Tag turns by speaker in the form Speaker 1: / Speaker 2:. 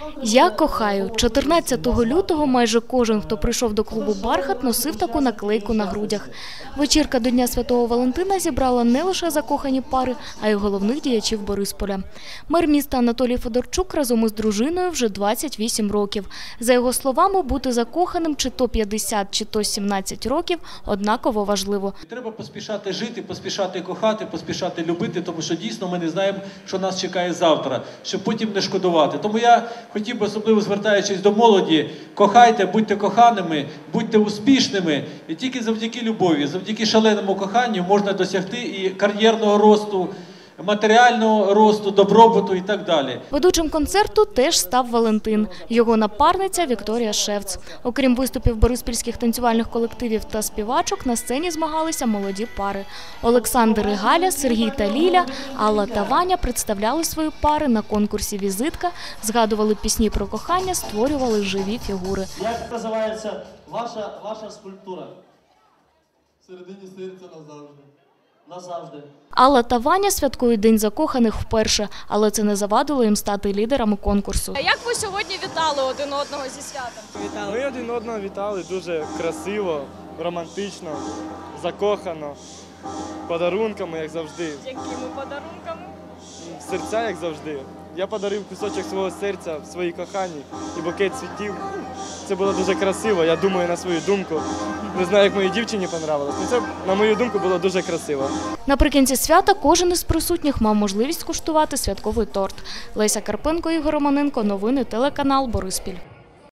Speaker 1: Я кохаю. 14 лютого майже кожен, хто прийшов до клубу «Бархат», носив таку наклейку на грудях. Вечірка до Дня Святого Валентина зібрала не лише закохані пари, а й головних діячів Борисполя. Мер міста Анатолій Федорчук разом із дружиною вже 28 років. За його словами, бути закоханим чи то 50, чи то 17 років однаково важливо.
Speaker 2: Треба поспішати жити, поспішати кохати, поспішати любити, тому що дійсно ми не знаємо, що нас чекає завтра, щоб потім не шкодувати. Тому я хотів би, особливо звертаючись до молоді, кохайте, будьте коханими, будьте успішними. І тільки завдяки любові, завдяки шаленому коханню можна досягти і кар'єрного росту, матеріального росту, добробуту і так далі.
Speaker 1: Ведучим концерту теж став Валентин. Його напарниця Вікторія Шевц. Окрім виступів бориспільських танцювальних колективів та співачок, на сцені змагалися молоді пари. Олександр і Галя, Сергій та Ліля, Алла та Ваня представляли свої пари на конкурсі «Візитка», згадували пісні про кохання, створювали живі фігури.
Speaker 3: Як називається ваша скульптура?
Speaker 4: Всередині серця назавжди.
Speaker 3: Назавжди.
Speaker 1: Алла та Ваня святкують День закоханих вперше, але це не завадило їм стати лідерами конкурсу.
Speaker 5: А як ви сьогодні вітали один одного зі святом?
Speaker 6: Ми один одного вітали дуже красиво, романтично, закохано, подарунками, як завжди.
Speaker 5: Якими подарунками?
Speaker 6: Серця, як завжди. Я подарив кусочок свого серця своїй коханій і букет цвітів. Це було дуже красиво, я думаю на свою думку. Не знаю, як моїй дівчині понравилось, але це, на мою думку, було дуже красиво.
Speaker 1: Наприкінці свята кожен із присутніх мав можливість скуштувати святковий торт. Леся Карпенко, Ігор Романенко, новини, телеканал «Бориспіль».